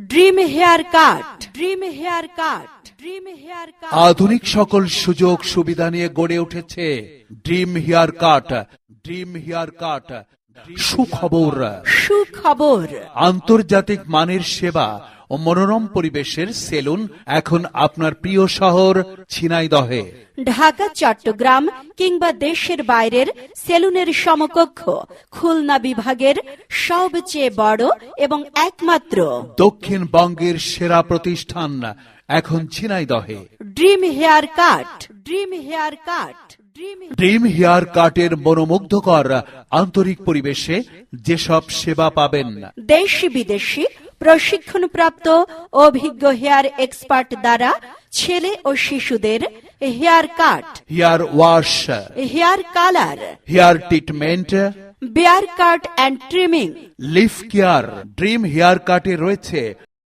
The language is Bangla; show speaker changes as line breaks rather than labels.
Dream hair cut, dream hair cut, dream hair cut.
আধুনিক সকল সুযোগ সুবিধা নিয়ে গড়ে উঠেছে dream hair cut. Dream hair cut সুখবর,
সুখবর।
আন্তর্জাতিক মানের সেবা ও মনোরম পরিবেশের সেলুন এখন আপনার প্রিয় শহর ঝিনাইদহে।
ঢাকা, চট্টগ্রাম কিংবা দেশের বাইরের সেলুনের সমকক্ষ খুলনা বিভাগের সবচেয়ে বড় এবং একমাত্র
দক্ষিণবঙ্গের সেরা প্রতিষ্ঠান এখন ঝিনাইদহে।
Dream hair cut, dream hair cut,
dream hair কাটের মনোমুগ্ধকর আন্তরিক পরিবেশে যেসব সেবা পাবেন,
দেশি বিদেশি প্রশিক্ষণপ্রাপ্ত অভিজ্ঞ হেয়ার এক্সপার্ট দ্বারা ছেলে ও শিশুদের hair cut,
hair wash,
hair colour,
hair treatment,
beard cut and trimming,
lip care. Dream hair কাটে রয়েছে